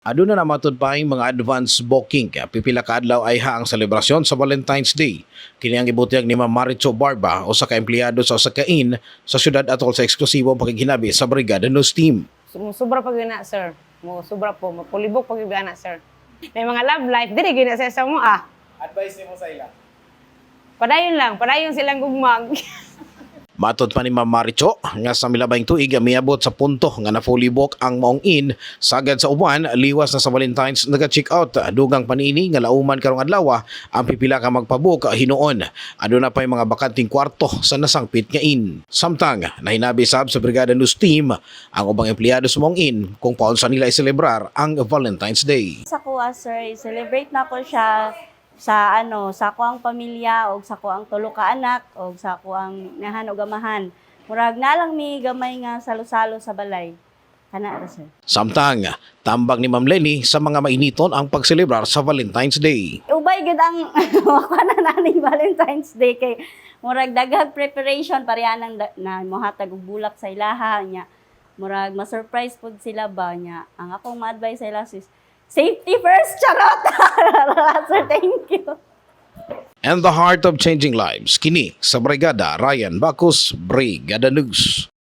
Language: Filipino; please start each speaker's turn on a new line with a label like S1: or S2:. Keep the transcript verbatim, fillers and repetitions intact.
S1: Aduna na matud pa ang mga advance booking kaya pipila ka adlaw ay ha ang selebrasyon sa Valentine's Day. Kini ang gibutiyag ni Ma'am Maricho Barba o sa ka-empleyado sa usa ka inn sa syudad atol sa eksklusibong pakighinabi sa Brigada News Team.
S2: Sobra pag na, sir. Mo sobra po, mapulibok pag na, sir. May mga love life, dili gina sa sa mo ah.
S3: Advice mo sa ila?
S2: Padayon lang, padayon silang gugmag.
S1: Matod pa ni Ma'am Maricho nga sa milabayng tuig miabot sa punto nga na fully book ang maong inn sagad sa uban liwas na sa Valentine's naga-check out dugang panini nga lauman karong adlaw ang pipila ka magpabook hinuon. Aduna pa mga bakanting kwarto sa nasangpit nga inn. Samtang nahinabi sab sa Brigada News Team ang ubang empleyado sa maong inn kung paunsa nila iselebrar ang Valentine's Day.
S4: Sa kuha, sir, celebrate na ko siya sa ano, sa kuang pamilya o sa kuang tulo ka anak o sa kuang nahan o gamahan. Murag na lang mi gamay nga salo-salo sa balay. Kana ra, sir.
S1: Samtang tambag ni Ma'am Lenny sa mga mainiton ang pagselebrar sa Valentine's Day.
S4: Ubay gid ang kuana na ni Valentine's Day kay murag daghang preparation pareha nang da- na mohatag og bulak sa ilaha nya. Murag ma-surprise pud sila ba nya. Ang akong ma-advise sa ila sis, safety first, charot! Sir, thank you.
S1: And the heart of changing lives, kini sa Brigada Ryan Bacos, Brigada News.